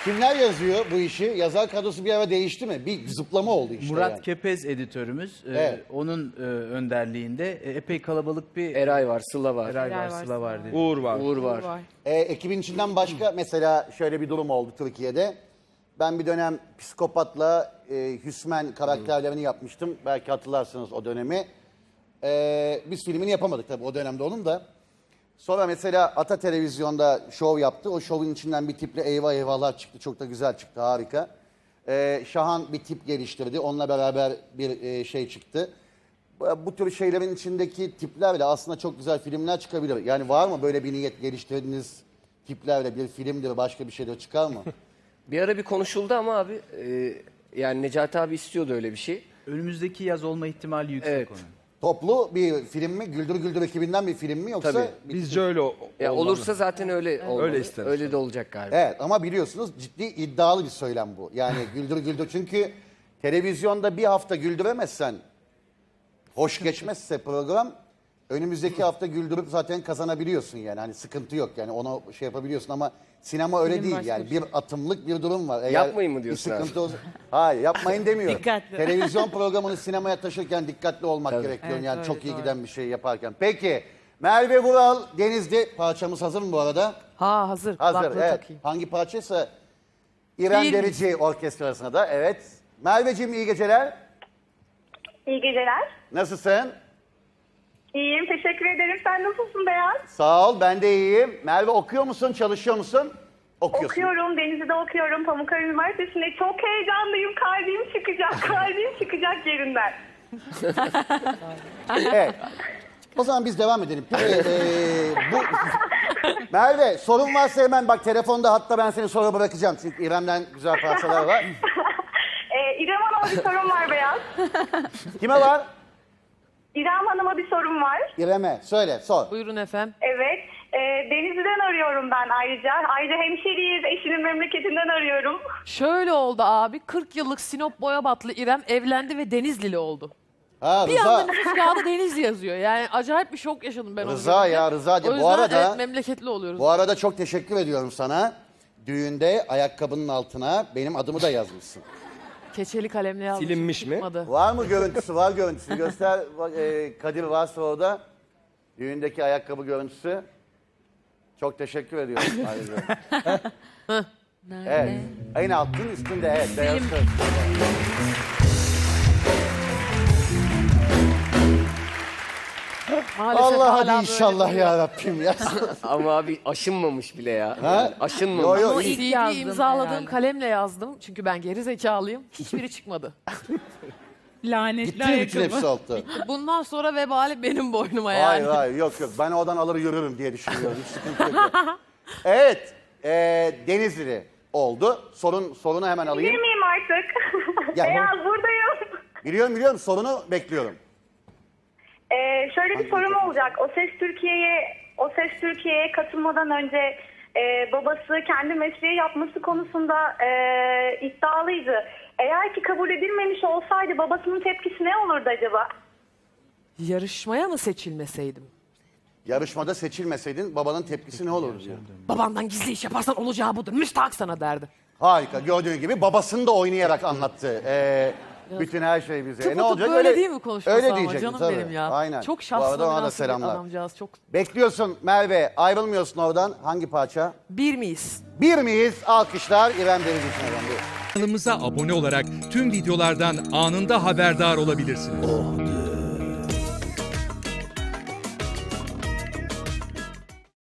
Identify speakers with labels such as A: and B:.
A: Kimler yazıyor bu işi? Yazar kadrosu bir ara değişti mi? Bir zıplama oldu işte.
B: Murat
A: yani.
B: Kepez editörümüz.
A: Evet.
B: Onun önderliğinde epey kalabalık bir
C: Eray var, Sıla var.
B: Eray var, Sıla var dedi.
D: Uğur var.
C: Uğur var.
A: Ekibin içinden başka mesela şöyle bir durum oldu Türkiye'de. Ben bir dönem Psikopat'la Hüsmen karakterlerini yapmıştım. Belki hatırlarsınız o dönemi. Biz filmini yapamadık tabii o dönemde onun da. Sonra mesela Ata Televizyon'da şov yaptı. O şovun içinden bir tiple eyvah eyvahlar çıktı. Çok da güzel çıktı, harika. Şahan bir tip geliştirdi. Onunla beraber bir şey çıktı. Bu tür şeylerin içindeki tiplerle aslında çok güzel filmler çıkabilir. Yani var mı böyle bir niyet geliştirdiğiniz tiplerle bir filmdir, başka bir şeyler çıkar mı?
C: Bir ara bir konuşuldu ama abi yani Necati abi istiyordu öyle bir şey.
B: Önümüzdeki yaz olma ihtimali yüksek
C: Evet.
B: onun.
A: Toplu bir film mi? Güldür Güldür ekibinden bir film mi yoksa?
C: Tabii.
D: Bizce öyle
C: Ya
D: olmalı.
C: olursa zaten öyle olmalı.
D: Öyle isteriz.
C: Öyle de olacak galiba.
A: Evet ama biliyorsunuz ciddi iddialı bir söylem bu. Yani Güldür Güldür çünkü televizyonda bir hafta güldüremezsen, hoş geçmezse program önümüzdeki hafta güldürüp zaten kazanabiliyorsun yani. Hani sıkıntı yok yani onu şey yapabiliyorsun ama sinema öyle
E: Film
A: değil
E: başka
A: yani
E: bir şey.
A: bir atımlık bir durum var. Eğer
C: Yapmayın mı diyorsun
A: bir sıkıntı olsa... Hayır yapmayın demiyorum.
E: Dikkatli.
A: Televizyon programını sinemaya taşırken dikkatli olmak gerekiyor
E: Evet,
A: yani
E: öyle,
A: çok iyi
E: doğru.
A: giden bir şey yaparken. Peki Merve Vural Denizli parçamız hazır mı bu arada?
E: Ha hazır.
A: Hazır
E: Kulaklığı
A: evet.
E: takayım.
A: Hangi parçaysa İrem
E: Değil
A: Derici orkestrasına da evet. Merveciğim iyi geceler.
F: İyi geceler.
A: Nasılsın?
F: İyiyim, teşekkür ederim. Sen nasılsın Beyaz?
A: Sağ ol ben de iyiyim. Merve okuyor musun, çalışıyor musun? Okuyorsun.
F: Okuyorum, Denizli'de okuyorum. Pamukkale Üniversitesi'nde. Çok heyecanlıyım. Kalbim çıkacak, kalbim çıkacak yerinden.
A: Evet. O zaman biz devam edelim. Peki, bu... Merve sorun varsa hemen bak telefonda hatta ben seni sonra bırakacağım. Çünkü İrem'den güzel parçalar var.
F: İrem Hanım'a bir sorum var Beyaz.
A: Kime var?
F: İrem Hanım'a bir sorum var.
A: İrem'e. Söyle sor.
E: Buyurun efendim.
F: Evet. Denizli'den arıyorum ben ayrıca. Ayrıca hemşeriyiz, eşinin memleketinden arıyorum.
E: Şöyle oldu abi. 40 yıllık Sinop Boyabatlı İrem evlendi ve Denizlili oldu.
A: Ha
E: Bir anda
A: Rıza.
E: nüfus kağıdı Denizli yazıyor. Yani acayip bir şok yaşadım ben onu
A: Rıza
E: görünce.
A: ya, Rızacığım.
E: O
A: Bu
E: yüzden
A: arada-
E: evet, memleketli oluyoruz.
A: Bu arada çok teşekkür ediyorum sana. Düğünde ayakkabının altına benim adımı da yazmışsın.
E: Keçeli kalemle yazdım.
D: Silinmiş mi?
E: Çıkmadı.
A: Var mı görüntüsü? Var görüntüsü. Göster Kadir varsa orada. Düğündeki ayakkabı görüntüsü. Çok teşekkür ediyorum ayrıca. Evet. En altın üstünde evet. Beyaz söz.
E: Maalesef
A: Allah
E: hala
A: hadi
E: böyle
A: inşallah
E: duruyor.
A: ya Rabbim ya.
C: Ama abi aşınmamış bile ya.
A: Ha?
C: Yani aşınmamış.
A: Yo, yo,
E: Ama
A: iyi.
E: CV'yi
G: yazdım
E: imzaladığım
G: herhalde.
E: kalemle yazdım. Çünkü ben geri zekalıyım. Hiçbiri çıkmadı.
G: Lanetli
A: Gitti mi bütün hepsi
G: ayakkabı.
A: oldu?
E: Bundan sonra vebali benim boynuma yani.
A: Hayır hayır yok yok. Ben oradan alır yürürüm diye düşünüyorum. Hiç sıkıntı yok. Evet. Denizli oldu. Sorunu hemen alayım.
F: Bilir miyim artık?
A: Ya,
F: Beyaz buradayım.
A: Biliyorum. Sorunu bekliyorum.
F: Şöyle bir sorum olacak. O Ses Türkiye'ye katılmadan önce babası kendi mesleği yapması konusunda iddialıydı. Eğer ki kabul edilmemiş olsaydı babasının tepkisi ne olurdu acaba?
E: Yarışmaya mı seçilmeseydim?
A: Yarışmada seçilmeseydin babanın tepkisi ne olurdu? diyor.
E: Babandan gizli iş yaparsan olacağı budur. Müstahak sana derdi.
A: Harika. Gördüğün gibi babasını da oynayarak anlattı. Bütün her şey bize.
E: Tıpkı
A: Ne olacak?
E: böyle değil mi konuşması
A: öyle
E: ama
A: diyecektim,
E: canım
A: tabii.
E: benim ya.
A: Aynen.
E: Çok
A: Bu
E: şahsına
A: arada ona da
E: münasır bir
A: selamlar.
E: adamcağız. Çok...
A: Bekliyorsun Merve. Ayrılmıyorsun oradan. Hangi parça?
E: Bir miyiz?
A: Bir miyiz? Alkışlar İrem Derici'ne efendim.
H: Kanalımıza abone olarak tüm videolardan anında haberdar olabilirsiniz.